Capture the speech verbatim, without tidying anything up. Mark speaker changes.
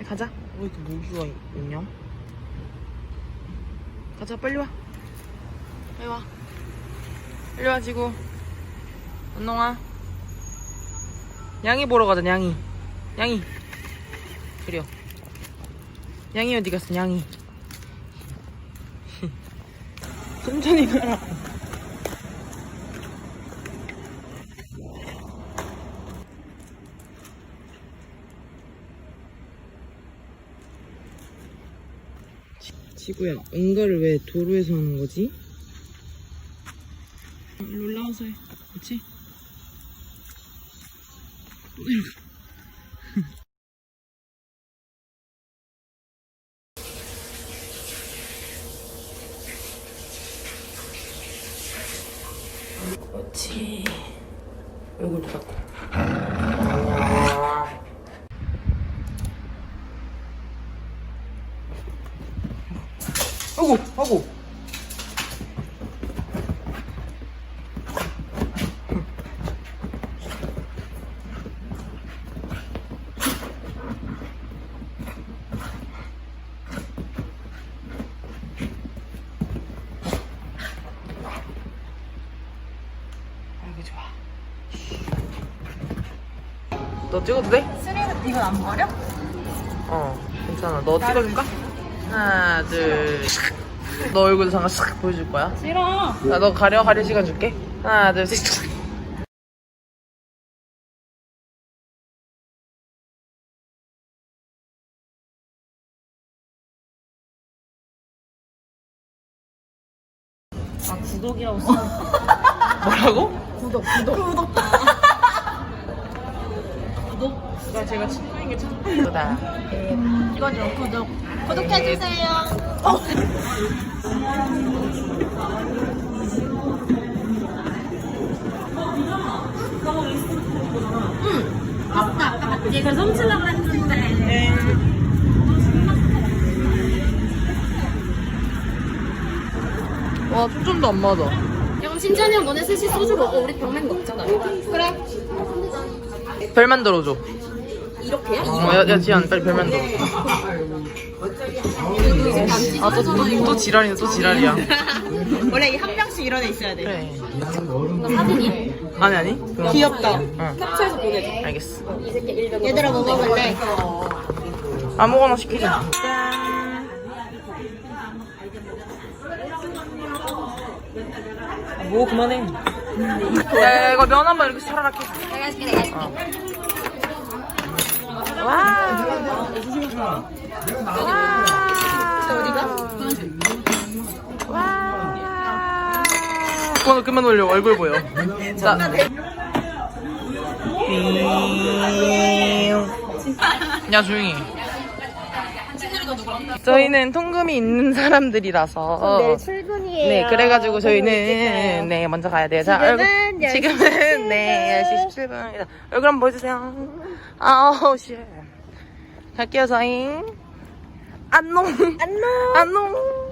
Speaker 1: 가자. 왜 이렇게 모기가 있냐? 가자, 빨리 와. 빨리 와. 빨리 와, 지구. 안녕아. 양이 보러 가자, 양이. 양이. 그래요. 양이 어디 갔어, 양이. 천천히 가라. 지구야, 응가를 왜 도로에서 하는 거지? 일로 올라와서 해. 그렇지? 또 내려가. 그렇지. 얼굴도 닦고. 아이고, 아이고. 아이고, 좋아. 너 찍어도 돼?
Speaker 2: 쓰레기 이건 안 버려?
Speaker 1: 어, 괜찮아. 너 찍어줄까? 하나, 둘, 너 얼굴 잠깐 싹 보여줄 거야.
Speaker 2: 싫어.
Speaker 1: 나 너 가려, 가려 시간 줄게. 하나, 둘, 셋.
Speaker 2: 아 구독이라고 써.
Speaker 1: 뭐라고?
Speaker 2: 구독 구독 구독. 구독.
Speaker 1: 나 제가 친구인 게 참 예쁘다.
Speaker 2: 이거죠 구독. 구독해주세요.
Speaker 1: 어.
Speaker 2: 응. 아까 아까 맞지? 그래서 훔치려고 했는데.
Speaker 1: 네. 와, 초점도 안 맞아.
Speaker 2: 그럼 신찬이 형 너네 셋이 소주 먹어. 우리 병맥 먹잖아. 그래.
Speaker 1: 별 만들어줘.
Speaker 2: 이렇게요?
Speaker 1: 어, 야, 야, 지안, 빨리 별 만들어줘. 아, 또, 또, 또 지랄이네, 또 지랄이야.
Speaker 2: 원래 이 한 명씩 이런 애 있어야 돼.
Speaker 1: 그래.
Speaker 2: 이거 사진이?
Speaker 1: 아니, 아니. 그럼.
Speaker 2: 귀엽다.
Speaker 1: 응,
Speaker 2: 캡처해서 보내줘.
Speaker 1: 알겠어.
Speaker 2: 얘들아 뭐 먹을래?
Speaker 1: 아무거나 시키자. 뭐, 그만해. 야, 이거 면 한번 이렇게 차라락 해.
Speaker 2: 내가 해줄게 내가 해줄게.
Speaker 1: 와. 와.
Speaker 2: 어디가?
Speaker 1: 와. 그만, 그만 올려. 얼굴 보여. 자. 야, 조용히. 저희는 통금이 있는 사람들이라서.
Speaker 2: 내일 출근이에요.
Speaker 1: 네, 그래가지고 저희는 네 먼저 가야 돼요. 자, 얼굴 지금은 네 열 시 십칠 분입니다. 얼굴 한번 보여주세요. 아우 씨. 갈게요, 저희. 안녕.
Speaker 2: 안녕.
Speaker 1: 안녕.